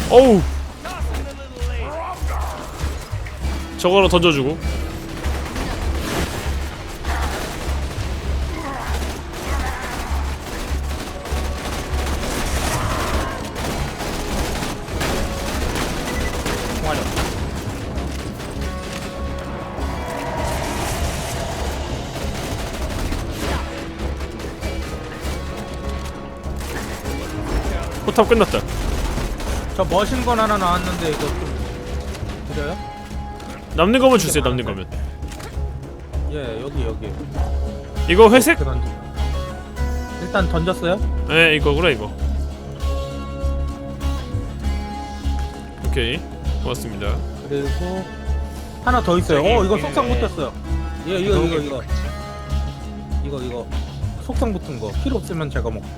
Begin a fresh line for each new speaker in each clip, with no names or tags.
어우. 저거로 던져주고.
총알이 없어.
포탑 끝났다.
저 머신건 하나 나왔는데 이거 좀 드려요?
남는 거면 주세요. 남는 거면.
예, 여기.
이거 회색?
일단 던졌어요?
네, 이거구나 이거. 오케이, 고맙습니다.
그리고 하나 더 있어요. 이거 속성 붙었어요. 이거 속성 붙은 거 필요 없으면 제가 먹고.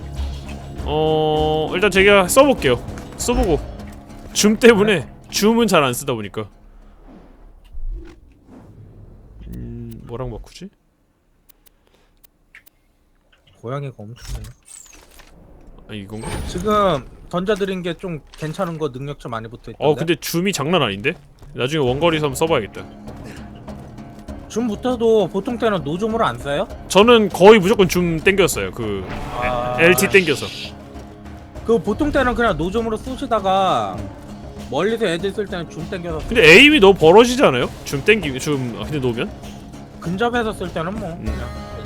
일단 제가 써볼게요. 써보고. 줌 때문에 줌은 잘 안 쓰다 보니까. 뭐랑 바꾸지?
고양이가 엄청나네.
아, 이건가?
지금 던져드린 게 좀 괜찮은 거 능력치 많이 붙어있던데.
근데 줌이 장난 아닌데? 나중에 원거리에서 한번 써봐야겠다.
줌 붙어도 보통 때는 노줌으로 안 써요?
저는 거의 무조건 줌 땡겼어요. 그 LT 땡겨서.
그 보통 때는 그냥 노줌으로 쏘시다가 멀리서 애들 쓸 때는 줌 땡겨서
근데 에임이 너무 벌어지지 않아요? 줌 땡기 근데 놓으면?
근접해서 쓸 때는 뭐 그냥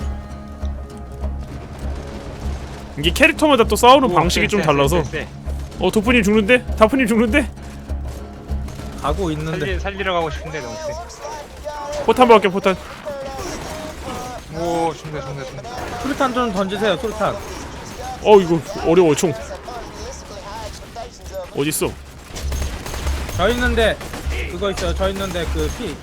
이게 캐릭터마다 또 싸우는 방식이 좀 달라서. 도프님 죽는데? 다프님 죽는데?
가고 있는데
살리러 가고 싶은데 너무 세.
포탄 박을게. 포탄.
오, 죽네.
수류탄 좀 던지세요. 수류탄.
이거 어려워. 총 어딨어?
저 있는데 그거 있어요. 저 있는데 그 피.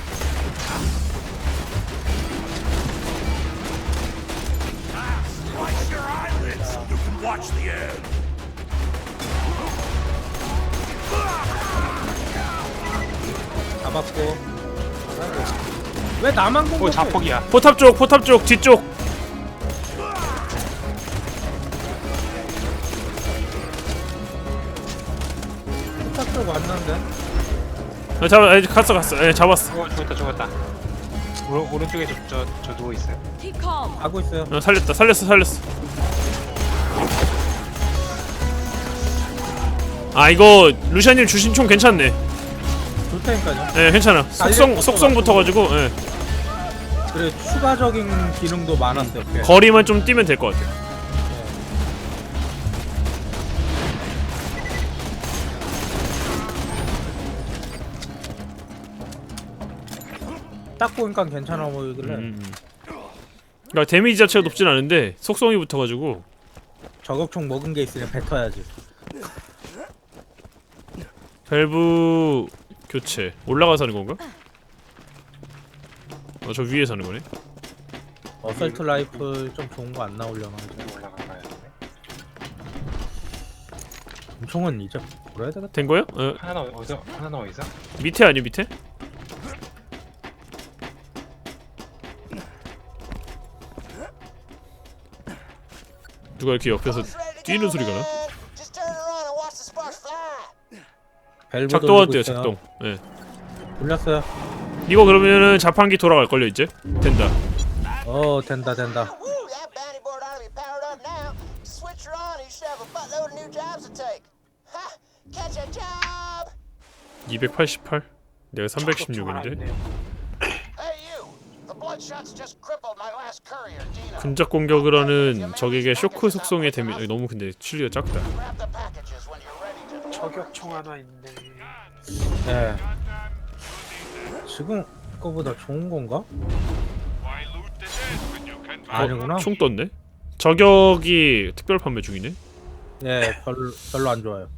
잡았고. 왜 나만 공격해?
오, 자폭이야.
포탑 쪽 뒤쪽.
포탑 쪽 왔는데.
갔어. 잡았어.
오, 죽었다. 오른쪽에 저 누워 있어요.
Keep calm.
가고 있어요.
살렸어. 이거 루시아님 주신 총 괜찮네.
좋다니까요.
네, 괜찮아. 속성 붙어가지고. 네.
그래 추가적인 기능도 많았어요. 꽤.
거리만 좀 뛰면 될 것 같아.
딱 보니까 괜찮아 보이길래
그러니까 데미지 자체가 높진 않은데 속성이 붙어가지고.
저격총 먹은 게 있으니 뱉어야지.
밸브 교체. 올라가서 하는 건가? 저 위에서 하는 거네.
어설트 라이플 좀 좋은 거 안 나오려나 이제.
올라가야 되네.
총은 이제 버려야 되겠다.
된 거요?
하나 어디서?
밑에 아니 밑에? 누가 이렇게 옆에서 뛰는 소리가 나?
밸브
작동한대요. 작동. 예.
돌렸어요.
이거 그러면은 자판기 돌아갈걸요 이제? 된다.
된다.
288? 내가 316인데? 근접 공격을 하는 적에게 쇼크 속성의 데미지. 너무 근데 칠리가 작다.
저격총 하나 있네.
네. 지금 거보다 좋은 건가? 아니구나.
총 떴네? 저격이 특별 판매 중이네?
네, 별로 안 좋아요.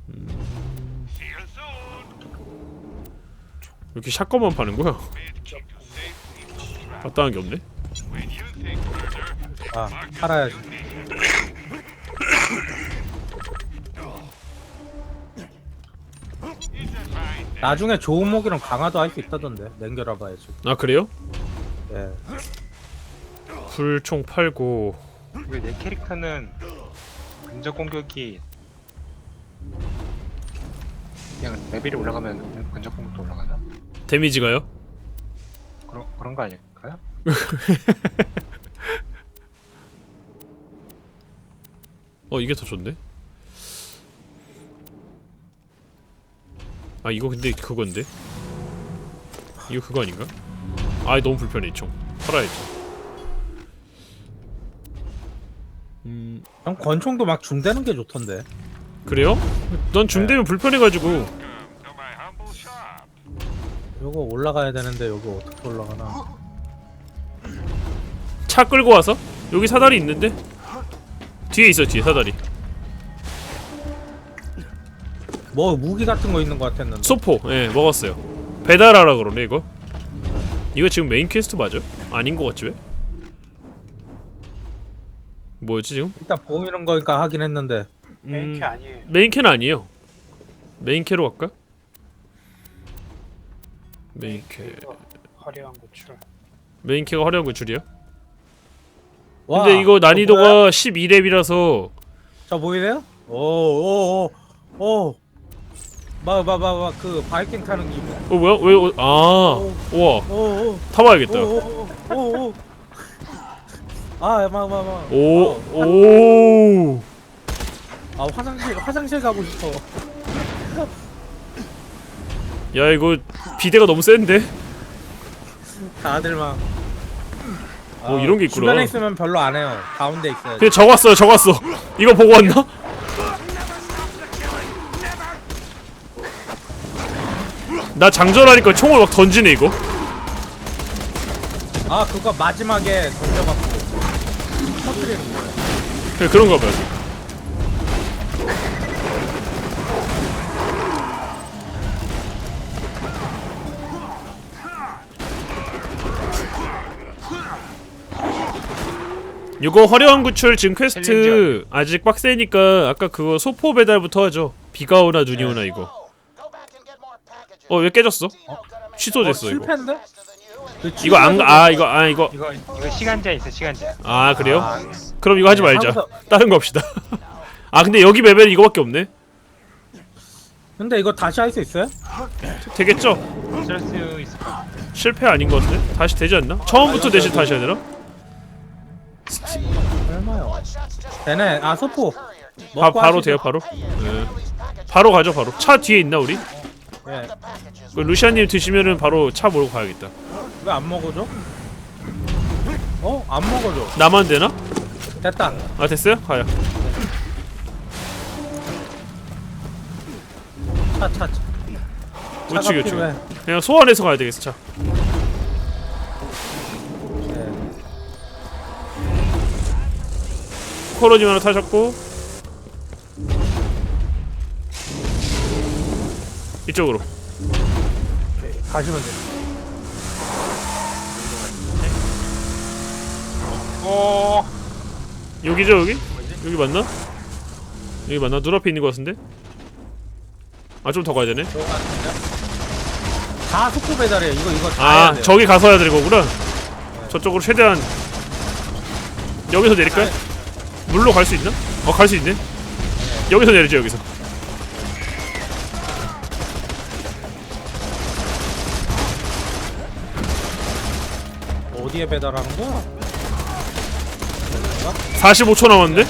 이렇게 샷건만 파는 거야? 마땅한 게 없네?
팔아야지. 나중에 좋은 목이랑 강화도 할 수 있다던데. 냉겨라 봐야지.
그래요?
예.
불총 팔고.
왜 내 캐릭터는 근접 공격이 그냥 레벨이 올라가면 근접 공격도 올라가나?
데미지가요?
그런 거 아닐까요?
이게 더 좋네. 아 이거 근데 그건데? 이거 그거 아닌가? 아 너무 불편해 이 총. 팔아야죠.
형 권총도 막 줌되는 게 좋던데.
그래요? 난 줌되면 불편해가지고.
요거 올라가야 되는데 여기 어떻게 올라가나?
차 끌고 와서? 여기 사다리 있는데? 뒤에 있어 뒤에 사다리.
뭐 무기 같은 거 있는 거 같았는데.
소포 예 먹었어요. 배달하라 그러네 이거. 이거 지금 메인 퀘스트 맞아? 아닌 거 같지 왜? 뭐였지 지금?
일단 보이는 거니까 하긴 했는데.
메인캐 아니에요.
메인캐는 아니에요. 메인캐로 갈까? 메인캐.
화려한 고출.
메인캐가 화려한 구출이야?
와,
근데 이거
저
난이도가
뭐야?
12렙이라서
저 보이세요? 오오오오. 막 그 바이킹 타는 기분.
뭐야? 왜? 우와
오오.
타봐야겠다.
오오오오. 막.
오.
아 화장실 가고 싶어.
야 이거 비대가 너무 센데?
다들 막.
이런 게 있구나.
주변에 있으면 별로 안 해요. 가운데 있어요.
근데 적었어. 이거 보고 왔나? 나 장전하니까 총을 막 던지네 이거.
아 그거 마지막에 던져갖고 터뜨리는 거예요.
그래 그런가 봐요. 이거 화려한 구출 지금 퀘스트 아직 빡세니까 아까 그거 소포 배달부터 하죠. 비가 오나 눈이 오나 이거. 왜 깨졌어? 취소됐어 이거.
실패인데?
이거 이거
이거 시간제 있어 시간제.
아 그래요? 그럼 이거 하지 말자.
하면서-
다른 거 합시다. 아 근데 여기 레벨 이거밖에 없네.
근데 이거 다시 할 수 있어요?
되겠죠?
쓸 수 있을 것 같아.
실패 아닌 것 같은데? 다시 되지 않나? 처음부터 대신 다시 해야 되나?
얼마요? 되네. 아 소포. 먹고
바로
하시죠.
돼요 바로? 네. 바로 가죠 바로. 차 뒤에 있나 우리?
예.
루시아님 드시면은 바로 차 몰고 가야겠다.
왜 안 먹어줘? 안 먹어줘.
나만 되나?
됐다.
아 됐어요? 가요.
차.
우측
필요해.
그냥 소환해서 가야 되겠어 차.
예.
코로님 하나 타셨고 이쪽으로.
가시면 돼.
여기죠 여기? 여기 맞나? 여기 맞나? 눈앞에 있는 것 같은데? 아 좀 더 가야 되네.
다 속도 배달이에요. 이거 다 해야
아
돼요.
저기 가서 해야 되는 거구나. 저쪽으로 최대한 여기서 내릴까요? 물로 갈 수 있나? 갈 수 있네. 여기서 내리죠 여기서.
어디에 배달하는 거야?
45초 남았는데?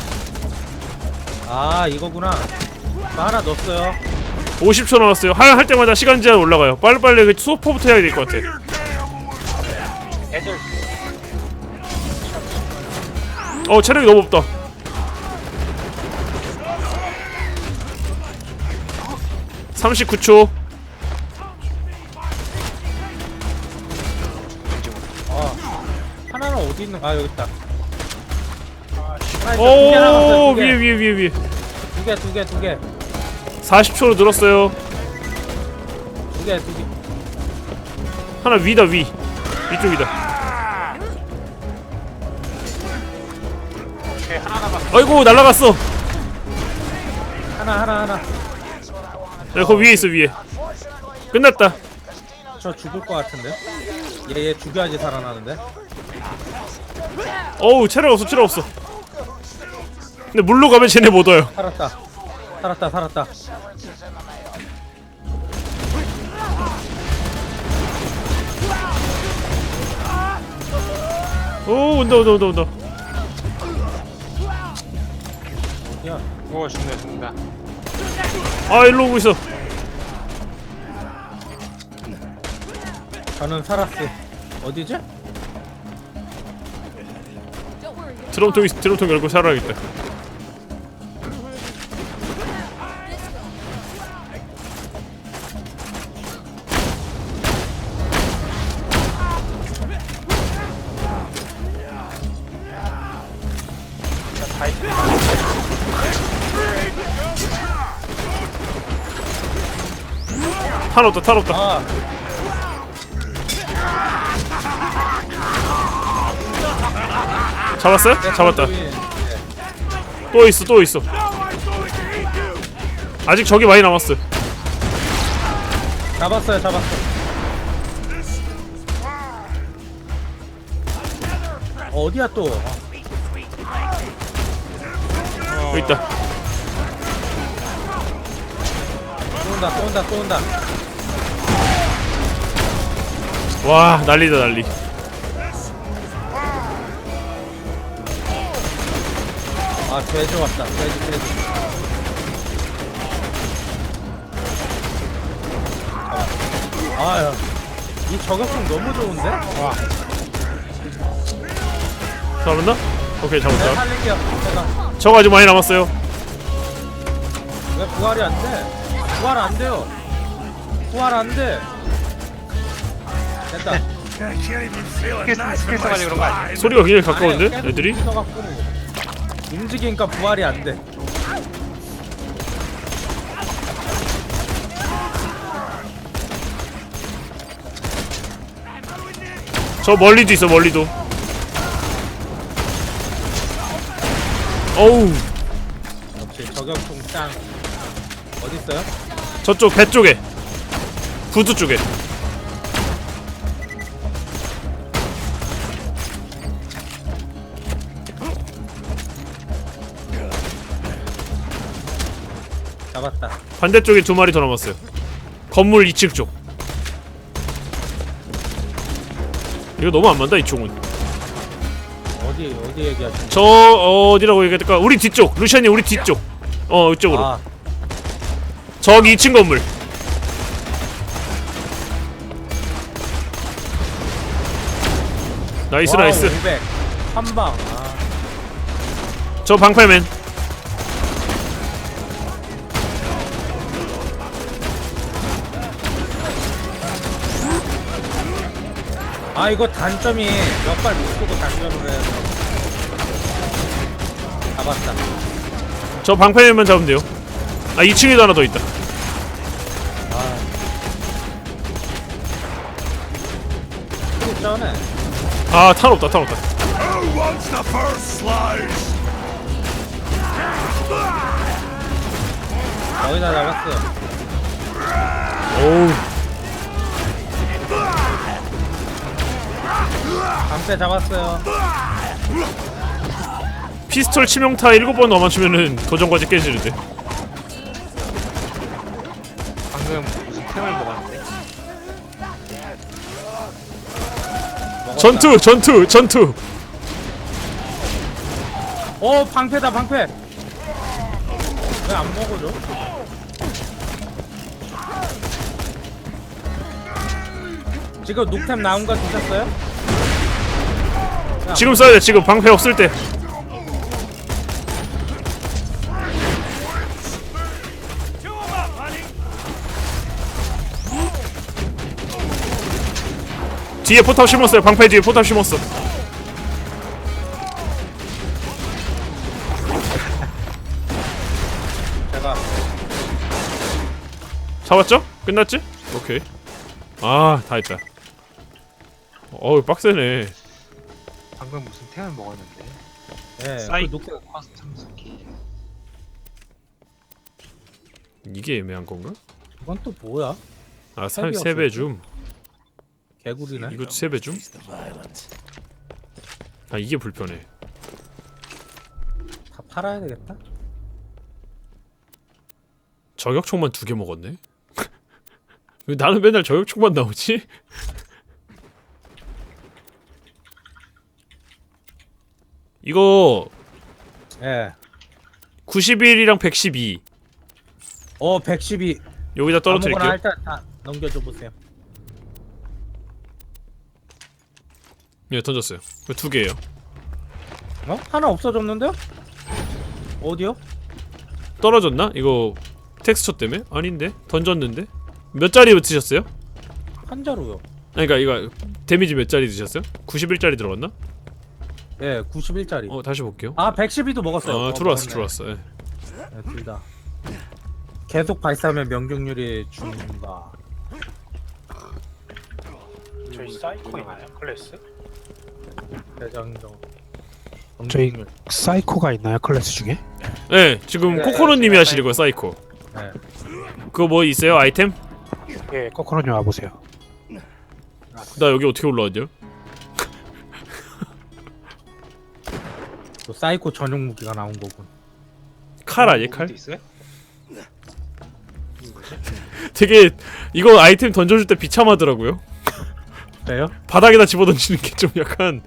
아 이거구나. 저 하나 넣었어요.
50초 남았어요. 할 때마다 시간 제한 올라가요. 빨리빨리 그 소포부터 해야 될 것 같아.
애들
체력이 너무 없다. (39초)
하나는 어디 있는? 아 여기 있다. 하나 있어. 두개 남았어요.
오 위에
두 개.
40초로 늘었어요.
두 개.
하나 위다 위. 이쪽이다.
하나 남았어.
아이고 날라갔어.
하나.
거기 위에 있어 위에. 끝났다.
저 죽을 것 같은데? 얘 죽여야지 살아나는데?
어우 체력 없어. 근데 물로 가면 쟤네 못 와요.
살았다.
오 온다 온다 온다 온다.
야,
오 죽네 죽는다.
아 일로 오고 있어.
저는 살았어. 어디지?
드럼통 열고 살아야겠다.
다 있어.
탄 없다 탄 없다.
아,
잡았어요? 잡았다.
네.
또 있어 또 있어. 아직 적이 많이 남았어.
잡았어요, 잡았어. 어디야 또?
여기 있다.
또 온다, 또 온다, 또 온다.
와 난리다 난리.
아, 돼지 왔다. 돼지. 아야, 이 저격총 너무 좋은데? 와,
잡았나? 오케이
내가
잡았다.
살릴게요. 제가
적 아직 많이 남았어요.
왜 부활이 안 돼? 부활 안 돼요. 부활 안 돼. 됐다.
스킬 써가지고 그런 거 아니야?
소리가 굉장히 가까운데?
아니에요, 계속
애들이?
부서갖고 움직이니까 부활이 안 돼.
저 멀리도 있어 멀리도. 어우
역시 저격총 짱. 어디 있어요?
저쪽 배 쪽에 부두 쪽에.
잡았다.
반대쪽에 두 마리 더 남았어요. 건물 2층 쪽. 이거 너무 안 맞다 이 총은.
어디 얘기하시는?
저 어디라고 얘기해야 될까? 우리 뒤쪽 루시안이 우리 뒤쪽. 이쪽으로.
아,
저기 2층 건물. 나이스
와우,
나이스.
500. 한 방. 아,
저 방패맨.
아 이거 단점이 몇 발 못 쏘고 단점으로 해서 잡았다.
저 방패맨만 잡으면 돼요. 아 2층에도 하나 더 있다.
또 전에
아 탄 없다 탄 없다.
거의 다 잡았어요.
오우
방패 잡았어요.
피스톨 치명타 7번 더 맞추면은 도전과제 깨지는데.
방금 무슨 템을 먹었는데?
먹었다.
전투.
오 방패다 방패. 왜 안 먹어줘? 지금 녹템 나온 거 드셨어요?
지금 써야 돼. 지금 방패 없을 때. 뒤에 포탑 심었어요. 방패 뒤에 포탑 심었어.
제가
잡았죠? 끝났지? 오케이. 아, 다 했다. 어우, 빡세네.
방금 무슨 템을 먹었는데?
예, 그
사이코
녹템
커스텀 스킬.
이게 애매한 건가?
이건 또 뭐야?
아,
탭이
3배 줌.
개구리네.
이것도 3배 줌? 아, 이게 불편해.
다 팔아야 되겠다.
저격총만 2개 먹었네? 왜 나는 맨날 저격총만 나오지? 이거
예.
91이랑 112
112.
여기다 떨어뜨릴게요.
아무거나 일단 다 넘겨줘 보세요.
네, 던졌어요. 그 두 개예요.
하나 없어졌는데요? 어디요?
떨어졌나? 이거 텍스처 때문에? 아닌데? 던졌는데? 몇 짜리 드셨어요?
한 자루요.
아니 그니까 이거 데미지 몇 짜리 드셨어요? 91짜리 들어갔나?
예, 91짜리.
다시 볼게요.
112도 먹었어요.
들어왔어.
먹었네. 네, 둘 다. 계속 발사하면 명중률이 죽는다.
저희 사이코 있나요? 클래스?
대장정.
저희
명중률.
사이코가 있나요 클래스 중에?
네, 지금
네,
코코넛님이 하시는 거예요, 사이코.
네.
그거 뭐 있어요? 아이템?
예, 코코넛님 와보세요.
나 여기 어떻게 올라왔냐?
또 사이코 전용 무기가 나온 거군.
칼 아니에요, 칼?
어디 있어요?
되게 이거 아이템 던져줄 때 비참하더라고요.
그래요?
바닥에다 집어던지는 게 좀 약간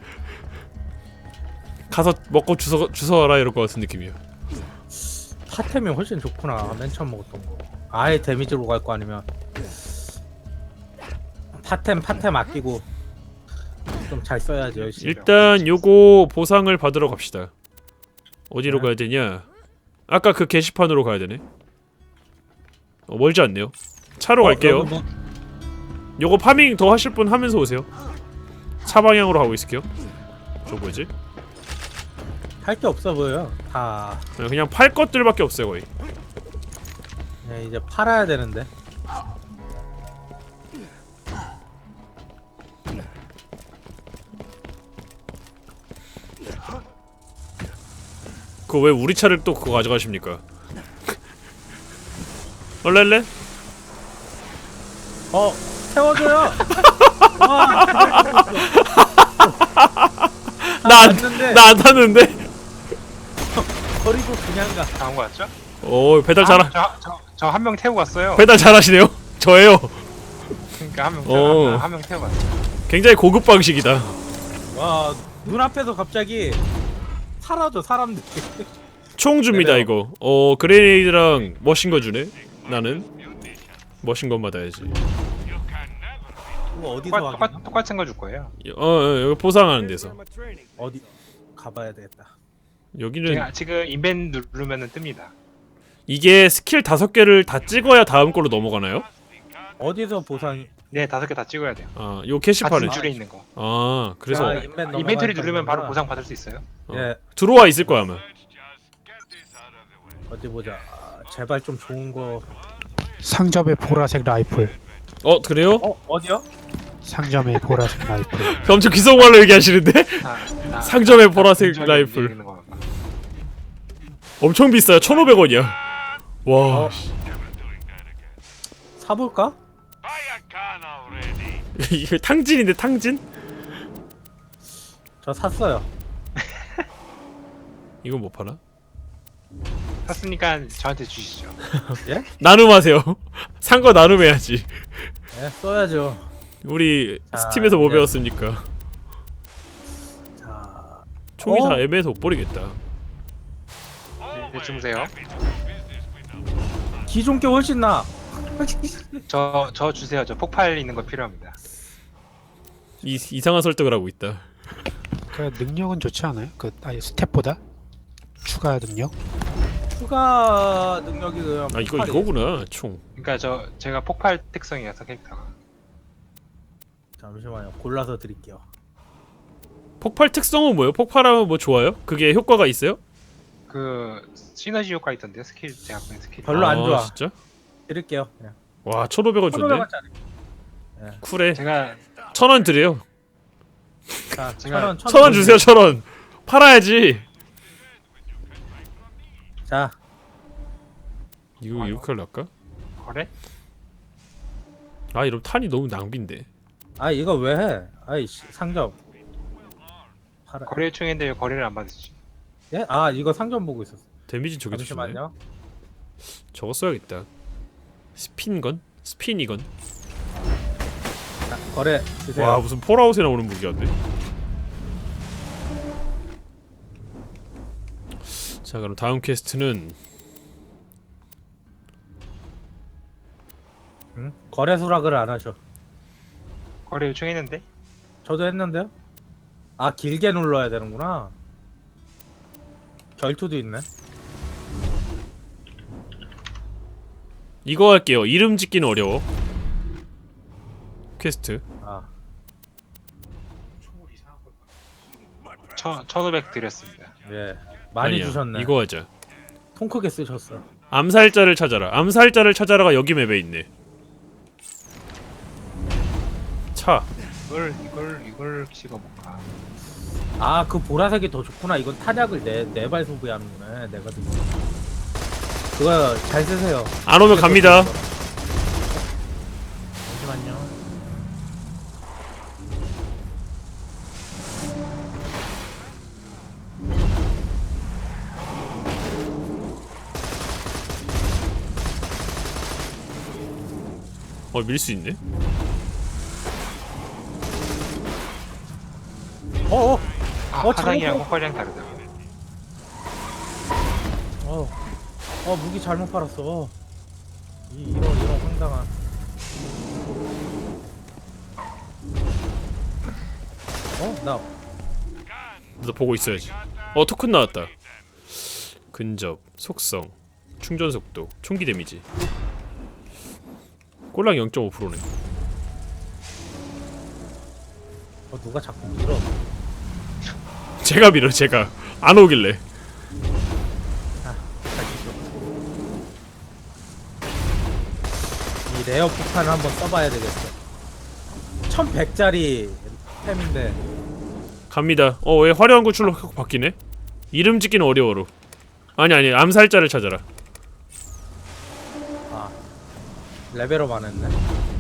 가서 먹고 주워와라 이럴 것 같은 느낌이에요.
파템이 훨씬 좋구나. 맨 처음 먹었던 거. 아예 데미지로 갈 거 아니면 파템 아끼고 좀 잘 써야지 열심히.
일단 요거 보상을 받으러 갑시다. 어디로
네.
가야 되냐? 아까 그 게시판으로 가야 되네. 멀지 않네요. 차로 갈게요.
여기 뭐,
요거 파밍 더 하실 분 하면서 오세요. 차 방향으로 가고 있을게요. 저 뭐지?
할 게 없어 보여요. 다
그냥 팔 것들밖에 없어요 거의.
네, 이제 팔아야 되는데.
그거 왜 우리 차를 또 그거 가져가십니까? 얼렐레?
태워줘요. 와, 왔는데
나 안 탔는데?
버리고 그냥 가.
다온 거 같죠?
오 배달
저 한 명 태우고 갔어요.
배달 잘하시네요. 저예요.
그러니까
어.
한 명 태우고 갔어요.
굉장히 고급 방식이다.
와, 눈앞에서 갑자기 사라져 사람들이.
총 줍니다
네네.
이거. 그레네이드랑 머신건 주네. 나는 머신건 받아야지.
그거 어디서 하겠나?
똑같은 거 줄 거예요.
여기 보상하는 데서.
어디 가봐야 되겠다.
여기는
제가 지금 인벤 누르면은 뜹니다.
이게 스킬 5개를 다 찍어야 다음 걸로 넘어가나요?
어디서 보상이?
네, 5개 다 찍어야 돼요.
요 캐시판에.
같은 줄에 있는 거.
그래서
아, 인벤 넘어가니까
인벤토리 누르면 바로
이거구나.
보상 받을 수 있어요.
예,
들어와 있을 거야 아마.
어디 보자. 제발 좀 좋은 거.
상점의 보라색 라이플.
그래요?
어디요?
상점의 보라색 라이플.
엄청 귀성말로 얘기하시는데? 상점의 보라색
근처에
라이플.
있는 거.
엄청 비싸요. 1,500원이야. 와.
사볼까?
이거 탕진인데 탕진?
저 샀어요.
이건 못 파나?
샀으니까 저한테 주시죠.
예?
나눔하세요. 산 거 나눔해야지.
예, 써야죠.
우리
자,
스팀에서 뭐
네.
배웠습니까?
자,
총이
어?
다 애매해서 못 버리겠다.
네, 주무세요.
기존 게 훨씬 나.
저 주세요. 저 폭발 있는 거 필요합니다.
이상한 설득을 하고 있다.
그 능력은 좋지 않아요? 아예 스텝보다 추가 능력?
추가 능력이 그냥
이거구나. 총.
그러니까 제가 폭발 특성이어서 캐릭터가.
잠시만요. 골라서 드릴게요.
폭발 특성은 뭐예요? 폭발하면 뭐 좋아요? 그게 효과가 있어요?
그 시너지 효과 있던데요. 스킬 제가 보낸 스킬.
별로 안 좋아.
진짜?
드릴게요. 그냥.
와 1,500원 줬네.
1,500원짜리.
쿨해.
제가
1,000원 드려요.
자,
제가
1,000원 주세요. 1,000원. 팔아야지.
자,
이거 이렇게 할까?
거래?
이러면 탄이 너무 낭비인데.
이거 왜 해? 상점. 팔아.
거래 요청인데 왜 거래를 안 받으시죠?
예? 이거 상점 보고 있었어.
데미지 저게 주네.
잠시만요.
저거 써야겠다. 스핀건? 스피니건?
자, 거래 주세요.
와 무슨 폴아웃에 나오는 무기였네. 자 그럼 다음 퀘스트는
응? 거래 수락을 안 하셔.
거래 요청했는데?
저도 했는데요. 아 길게 눌러야 되는구나. 결투도 있네.
이거 할게요. 이름 짓기는 어려워. 퀘스트.
아
1500 드렸습니다.
예. 많이
아니야,
주셨네.
이거 하자.
통 크게 쓰셨어.
암살자를 찾아라. 암살자를 찾아라가 여기 맵에 있네. 차.
이걸 찍어볼까?
아 그 보라색이 더 좋구나. 이건 탄약을 네발 소비하는구나. 내가 듣고. 그거 잘 쓰세요.
안 오면 갑니다.
잠시만요.
밀 수 있네.
어어.
화상이랑
잘못
호화랑 다르다.
무기 잘못 팔았어. 이런 황당한. 나
너 보고 있어야지. 토큰 나왔다. 근접, 속성, 충전 속도, 총기 데미지. 꼴랑 0.5%네.
누가 자꾸 밀어.
제가 밀어, 제가. 안 오길래.
이 레어 폭탄을 한번 써봐야 되겠어. 1100짜리 템인데.
갑니다. 왜 화려한 구출로 확 바뀌네? 이름 짓기는 어려워로. 아니, 암살자를 찾아라.
레벨업 안 했네.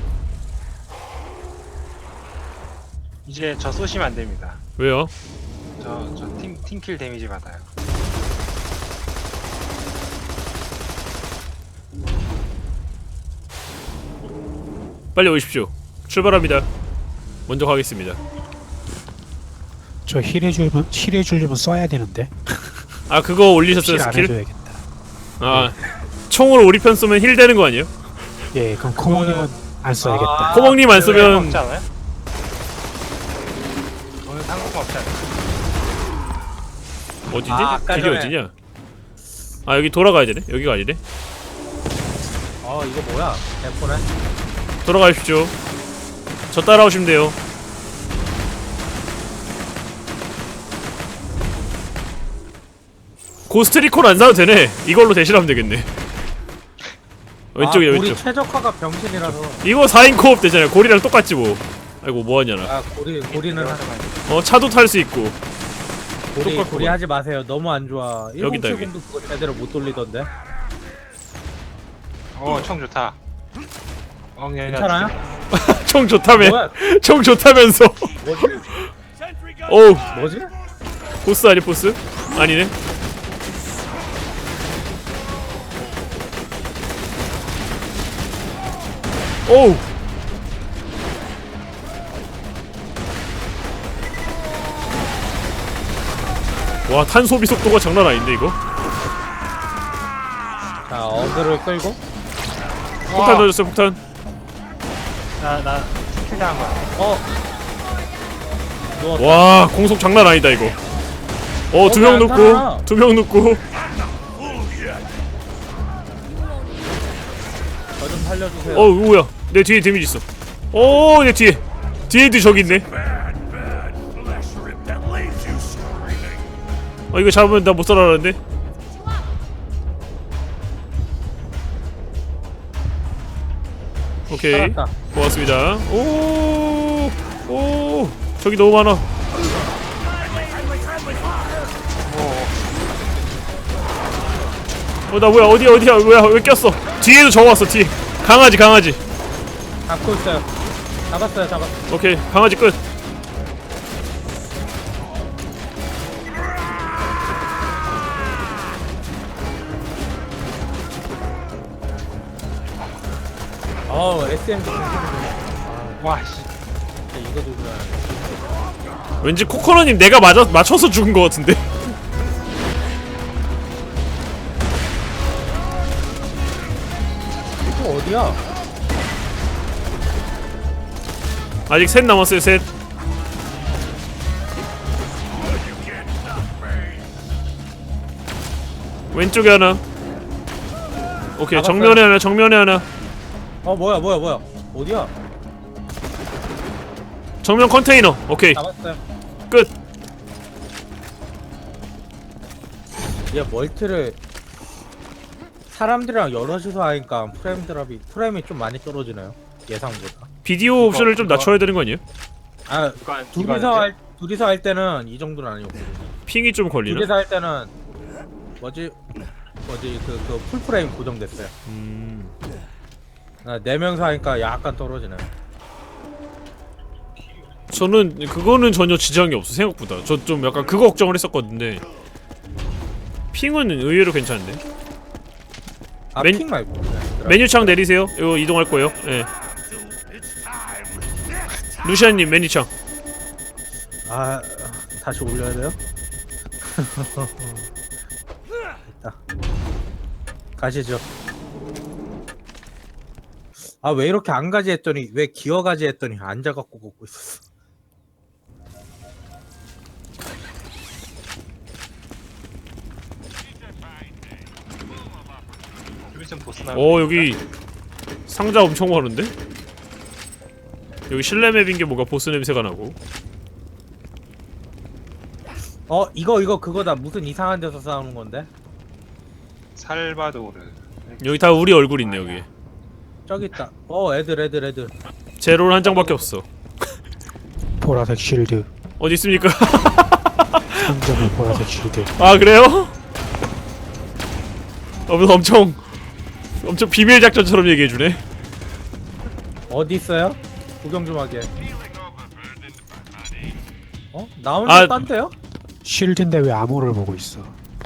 이제 저 쏘시면 안 됩니다.
왜요?
저 팀킬 데미지 받아요.
빨리 오십시오. 출발합니다. 먼저 가겠습니다.
저 힐해주려면 써야 되는데.
그거 올리셨어요,
힐 안
스킬?
해줘야겠다.
총으로 우리 편 쏘면 힐 되는 거 아니에요?
예, 그럼 코모님은 안 써야겠다.
코멍님 안 쓰면
없지 않아요? 오늘 상관없지 않아요?
어디지?
아까
길이
전에.
어디냐? 여기 돌아가야 되네? 여기가 아니네?
이거 뭐야? 대포네.
돌아가십시오. 저 따라오시면 돼요. 고스트리콘 안 사도 되네. 이걸로 대신하면 되겠네. 왼쪽이야,
우리
왼쪽.
최적화가 병신이라서.
이거 4인 코업 되잖아요. 고리랑 똑같지 뭐. 아이고 뭐하냐 나.
고리는
차도 탈 수 있고. 똑같구만.
고리 하지 마세요. 너무 안 좋아.
여기다,
1070도 그거 제대로 못 돌리던데.
총 좋다.
괜찮아요?
총 좋다며.
뭐야?
총 좋다면서.
뭐지?
어우,
뭐지?
보스 아니 보스? 아니네. 오우. 와, 탄 소비 속도가 장난 아닌데 이거?
자, 어그를 끌고.
폭탄 던졌어, 폭탄.
나 팀킬 당한 거야.
누웠다.
와, 공속 장난 아니다 이거. 두 명
안 살아.
눕고, 2명 눕고.
저 좀 살려주세요.
뭐야? 내 뒤에 데미지 있어. 내 뒤에. 뒤에도 저기 있네. 이거 잡으면 나 못 살아나는데? 오케이.
살았다.
고맙습니다. 저기 너무 많아. 나 뭐야? 어디야? 뭐야? 왜 꼈어? 뒤에도 저 왔어. 뒤에. 강아지.
잡고 있어요. 잡았어요.
오케이. 강아지 끝.
SMG
와 씨.
이거 누구야?
왠지 코코넛님 내가 맞춰서 죽은 것 같은데.
어디야?
아직 셋 남았어요. 셋. 왼쪽에 하나. 오케이.
잡았어요.
정면에 하나. 정면에 하나.
뭐야 어디야?
정면 컨테이너. 오케이.
잡았어요.
끝.
얘 멀티를 사람들이랑 여럿이서 하니까 프레임이 좀 많이 떨어지네요. 예상보다.
비디오 옵션을 좀 낮춰야 되는 거 아니에요?
아 둘이서 할 때는 이 정도는 아니었고
핑이 좀 걸리나?
둘이서 할 때는 뭐지 그 풀프레임 고정됐어요. 네 명서 하니까 약간 떨어지네.
저는 그거는 전혀 지장이 없어 생각보다. 저 좀 약간 그거 걱정을 했었거든요. 핑은 의외로 괜찮은데.
핑 말고
메뉴창 내리세요. 이거 이동할 거예요. 예. 루시안님 메뉴창.
다시 올려야 돼요? 됐다. 가시죠. 왜 이렇게 안 가지 했더니 왜 기어가지 했더니 앉아갖고 걷고 있었어.
디비전 보스 나.
여기 상자 엄청 많은데? 여기 실내 맵인 게 뭔가 보스 냄새가 나고.
이거 그거다. 무슨 이상한 데서 싸우는 건데?
살바도르.
여기 다 우리 얼굴 있네 여기.
저기 있다. 애들.
제로는 한 장밖에 없어.
보라색 쉴드.
어디 있습니까?
상점의 보라색 쉴드.
아 그래요? 엄청 비밀 작전처럼 얘기해주네.
어디 있어요? 구경 좀 하게. 나 혼자 딴데요?
쉴드인데 왜 암호를 보고 있어?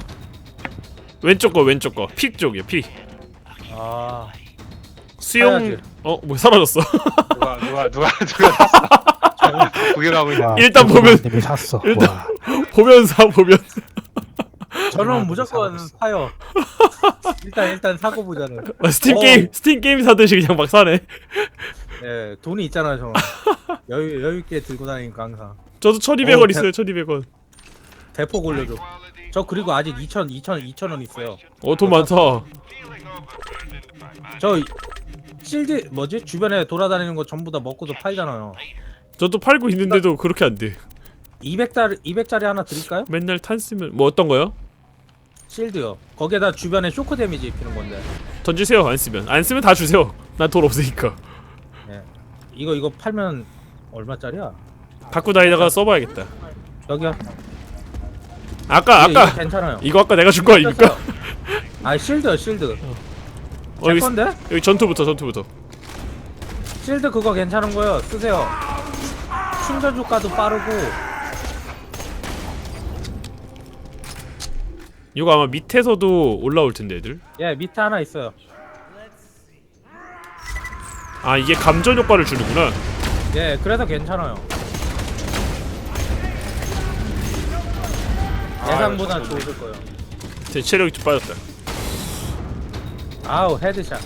왼쪽 거 피 쪽이야 피. 수영.
사야지.
뭐 사라졌어.
누가 샀어? 구경하고 있는.
일단 보면-
님이 샀어.
일단-
와.
보면
저는 무조건 사요. 일단 사고 보자는.
스팀 게임 사듯이 그냥 막 사네.
예, 돈이 있잖아요, 저는. 여유 있게 들고 다니니까 항상.
저도 1200원
대-
있어요. 1200원.
대폭 올려줘. 저 그리고 아직 2,000원 있어요.
돈 많다.
저 실드 뭐지? 주변에 돌아다니는 거 전부 다 먹고도 팔잖아요.
저도 팔고 있는데도 그렇게 안 돼.
200짜리 하나 드릴까요?
맨날 탄 쓰면 뭐 어떤 거요?
실드요. 거기에다 주변에 쇼크 데미지 입히는 건데.
던지세요. 안 쓰면 다 주세요. 난 돈 없으니까.
예. 이거 팔면 얼마짜리야?
갖고 다니다가 써봐야겠다.
여기요.
아까
이거 괜찮아요.
이거 아까 내가 준 거 아닙니까?
실드요. 제
여기
건데?
여기 전투부터.
실드 그거 괜찮은 거요. 쓰세요. 충전 효과도 빠르고.
이거 아마 밑에서도 올라올 텐데 애들.
예, 밑에 하나 있어요.
아 이게 감전 효과를 주는구나.
예, 그래서 괜찮아요. 예상보다 좋을 거예요.
제 체력이 좀 빠졌다.
헤드샷.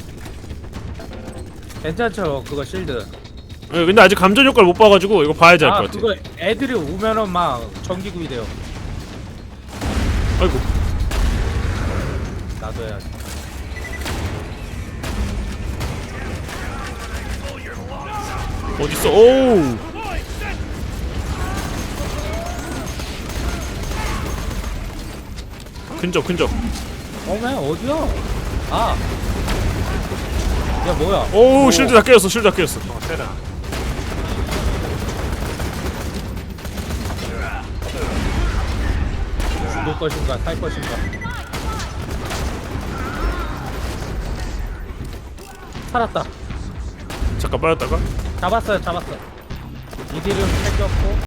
괜찮죠, 그거 실드.
근데 아직 감전 효과를 못 봐가지고 이거 봐야지 알 것 같아.
그거 애들이 오면은 막 전기구이 돼요.
아이고.
나도 해야지.
어딨어? 오우. 근접.
어메 어디야? 야 뭐야?
오우 실드 다 깨졌어.
세라.
죽을 것인가 살 것인가? 살았다.
잠깐 빠졌다가.
잡았어요. 이들은 챙겼고.